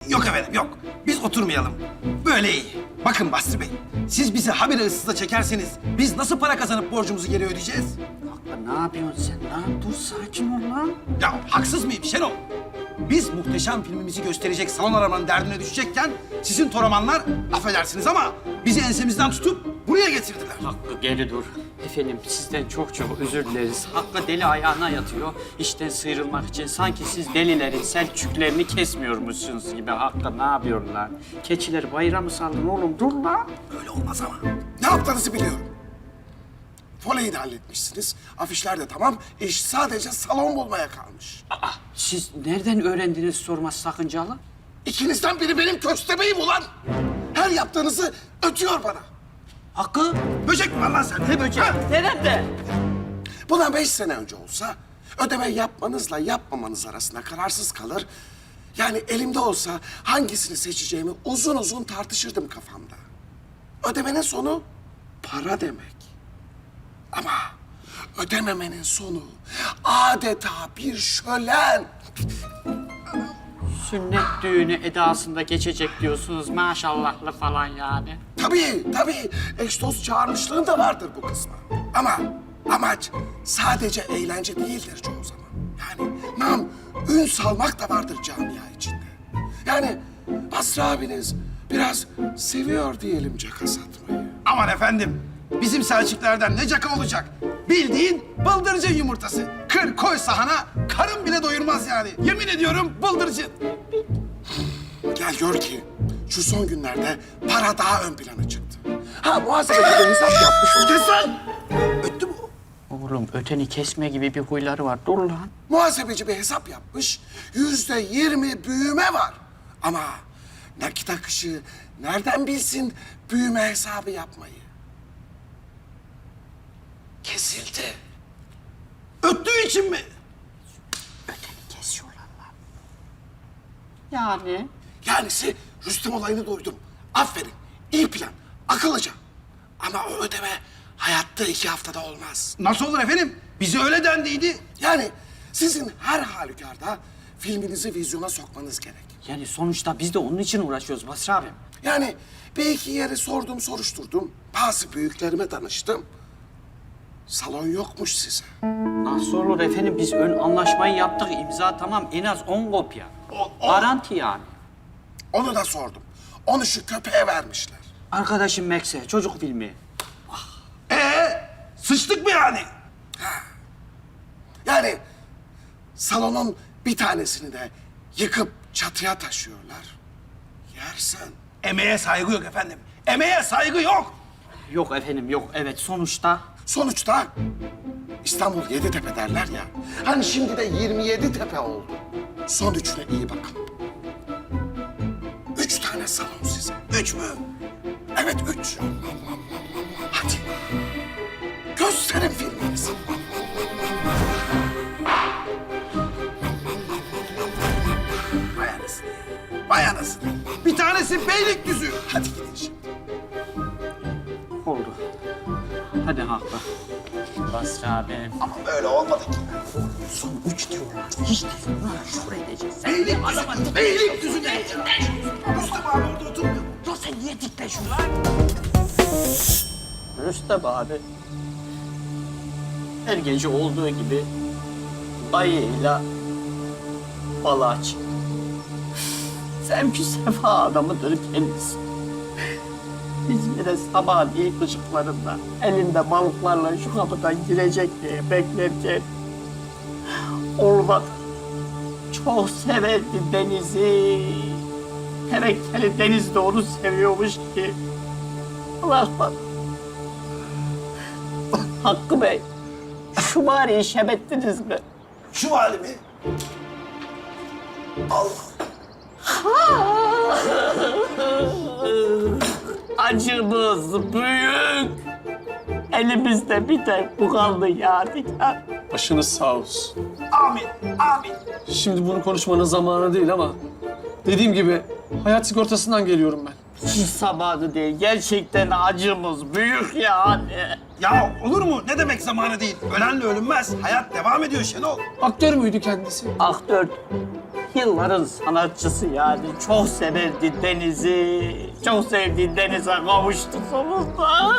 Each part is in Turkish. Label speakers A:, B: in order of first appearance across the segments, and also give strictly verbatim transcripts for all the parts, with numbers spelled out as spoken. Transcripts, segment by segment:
A: Yok efendim, yok. Biz oturmayalım. Böyle iyi. Bakın Basri Bey, siz bizi habire ıssıza çekerseniz biz nasıl para kazanıp borcumuzu geri ödeyeceğiz?
B: Hakkı ne yapıyorsun sen? Ne yap? Dur sakin ol lan.
A: Ya haksız mıyım Şenol? Biz muhteşem filmimizi gösterecek salon aramanın derdine düşecekken sizin toramanlar, affedersiniz ama bizi ensemizden tutup buraya getirdiler.
B: Hakkı geri dur. Efendim sizden çok çok özür dileriz. Hakkı deli ayağına yatıyor. İşten sıyrılmak için sanki siz delilerin selçüklerini kesmiyormuşsunuz gibi. Hakkı ne yapıyorsun lan? Keçileri bayrağı mı saldın oğlum? Dur lan.
A: Öyle olmaz ama.
C: Ne yaptığınızı biliyorum. Voleyi de halletmişsiniz. Afişler de tamam. İş sadece salon bulmaya kalmış.
B: Aa, siz nereden öğrendiniz sorması sakıncalı?
C: İkinizden biri benim köstebeğim ulan. Her yaptığınızı ötüyor bana.
B: Hakkı.
A: Böcek mi var lan sende?
B: Ne böcek?
A: Ha?
B: Nerede?
C: Bundan beş sene önce olsa ödeme yapmanızla yapmamanız arasında kararsız kalır. Yani elimde olsa hangisini seçeceğimi uzun uzun tartışırdım kafamda. Ödemenin sonu para demek. Ama ödememenin sonu adeta bir şölen.
B: Sünnet düğünü edasında geçecek diyorsunuz maşallahlı falan yani.
C: Tabii, tabii. Eş dost çağırmışlığın da vardır bu kısmı. Ama amaç sadece eğlence değildir çoğu zaman. Yani nam, ün salmak da vardır camia içinde. Yani Basri abiniz biraz seviyor diyelim caka satmayı.
A: Aman efendim, bizim Selçuklerden ne caka olacak? Bildiğin bıldırcın yumurtası. Kır koy sahana, karın bile doyurmaz yani. Yemin ediyorum bıldırcın.
C: Gel gör ki şu son günlerde para daha ön plana çıktı. Ha muhasebeci de hesap yapmış. Kes lan! Öttü mü o?
B: Oğlum öteni kesme gibi bir huyları var. Dur lan.
C: Muhasebeci bir hesap yapmış. Yüzde yirmi büyüme var. Ama nakit akışı nereden bilsin büyüme hesabı yapmayı? Kesildi.
A: Öttüğü için mi?
B: Öteni kesiyorlar lan. Yani?
C: Yanisi Rüstem olayını duydum. Aferin. İyi plan. Akıllıca. Ama o ödeme hayatta iki haftada olmaz.
A: Nasıl olur efendim? Bize öyle dendiydi.
C: Yani sizin her halükarda filminizi vizyona sokmanız gerek.
B: Yani sonuçta biz de onun için uğraşıyoruz Basri abim.
C: Yani bir iki yere sordum, soruşturdum. Bazı büyüklerime danıştım. Salon yokmuş size.
B: Nasıl olur efendim? Biz ön anlaşmayı yaptık. İmza tamam. En az on kopya.
A: O- o-
B: Garanti yani.
C: Onu da sordum. Onu şu köpeğe vermişler.
B: Arkadaşım Max'e çocuk filmi.
A: Ee, sıçtık mı yani?
C: Yani salonun bir tanesini de yıkıp çatıya taşıyorlar. Yersen.
A: Emeğe saygı yok efendim. Emeğe saygı yok.
B: Yok efendim yok. Evet sonuçta
C: Sonuçta İstanbul yedi tepe derler ya. Hani şimdi de yirmi yedi tepe oldu. Son üçüne iyi bakın. Üç tane salon size.
A: Üç mü?
C: Evet üç. Hadi. Gösterin filminizi.
A: Vay anasını. Vay anasını. Bir tanesi Beylikdüzü.
C: Hadi gidin şimdi.
B: oldu. Hadi haklı. Basri abim.
A: Ama böyle olmadı ki.
B: Son üç diyorlar. Hiç değil. Lan şuraya edeceğiz. Sen
A: Beylikdüzü. Beylikdüzü ne? Rüstem abi orada oturmuyor.
B: Ya sen niye dikleşiyorsun lan? Rüstem abi. Her gece olduğu gibi dayıyla balığa çıktı. Sen bir sefa adamıdır kendisi. Biz yine sabah ilk ışıklarında elinde balıklarla şu kapıdan girecek diye beklerken olmadı. Çok severdi denizi. Tevekkeli deniz de onu seviyormuş ki. Bırakmadı. Hakkı Bey, şu bari şebettiniz mi?
A: Şu hali mi? Allah.
B: Acımız büyük. Elimizde bir tek bu kaldı Yadigar.
D: Başınız sağ olsun.
A: Amin. Amin.
D: Şimdi bunu konuşmanın zamanı değil ama dediğim gibi hayat sigortasından geliyorum ben.
B: Hiç zamanı değil. Gerçekten acımız büyük yani.
A: Ya olur mu? Ne demek zamanı değil? Ölenle ölünmez. Hayat devam ediyor Şenol.
D: Aktör müydü kendisi?
B: Aktör Yılların sanatçısı yani. Çok severdi denizi. Çok sevdiği denize kavuştu sonunda.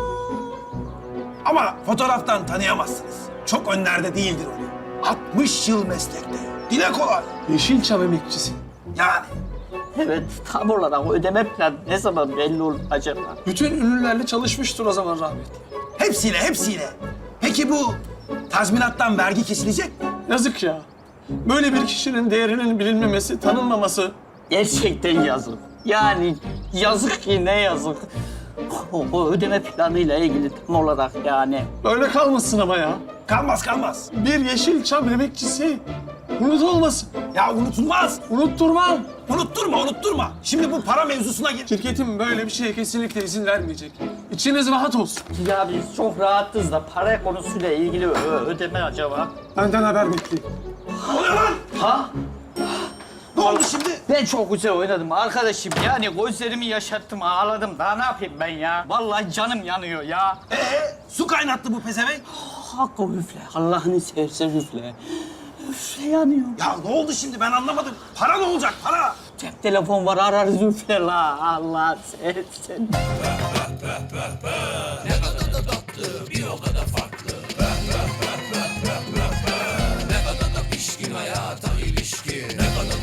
A: Ama fotoğraftan tanıyamazsınız. Çok önlerde değildir o. altmış yıl meslekte. Dile kolay.
D: Yeşilçam emekçisi.
A: Yani.
B: Evet, tam olarak ödeme planı ne zaman belli olur acaba?
D: Bütün ünlülerle çalışmıştır o zaman rahmetli.
A: Hepsiyle, hepsiyle. Peki bu tazminattan vergi kesilecek mi?
D: Yazık ya. Böyle bir kişinin değerinin bilinmemesi, tanınmaması.
B: Gerçekten yazık. Yani yazık ki ne yazık. O, o ödeme planıyla ilgili tam olarak yani.
D: Böyle kalmasın ama ya.
A: Kalmaz, kalmaz.
D: Bir Yeşilçam emekçisi unutulmasın.
A: Ya unutulmaz.
D: Unutturmam.
A: Unutturma, unutturma. Şimdi bu para mevzusuna gir.
D: Şirketim böyle bir şeye kesinlikle izin vermeyecek. İçiniz rahat olsun.
B: Ya biz çok rahatız da para konusuyla ilgili ö- ödeme acaba?
D: Benden haber bekleyin.
A: Ne oluyor lan?
B: Ha?
A: Ne oldu şimdi?
B: Ben çok güzel oynadım arkadaşım. Yani gözlerimi yaşarttım, ağladım. Daha ne yapayım ben ya? Vallahi canım yanıyor ya.
A: Ee, su kaynattı bu pezevenk.
B: Hakkı üfle. Allah'ını seversen üfle. Üfle yanıyor.
A: Ya ne oldu şimdi ben anlamadım. Para ne olacak para?
B: Cep telefon var ararız üfle la. Allah seversen.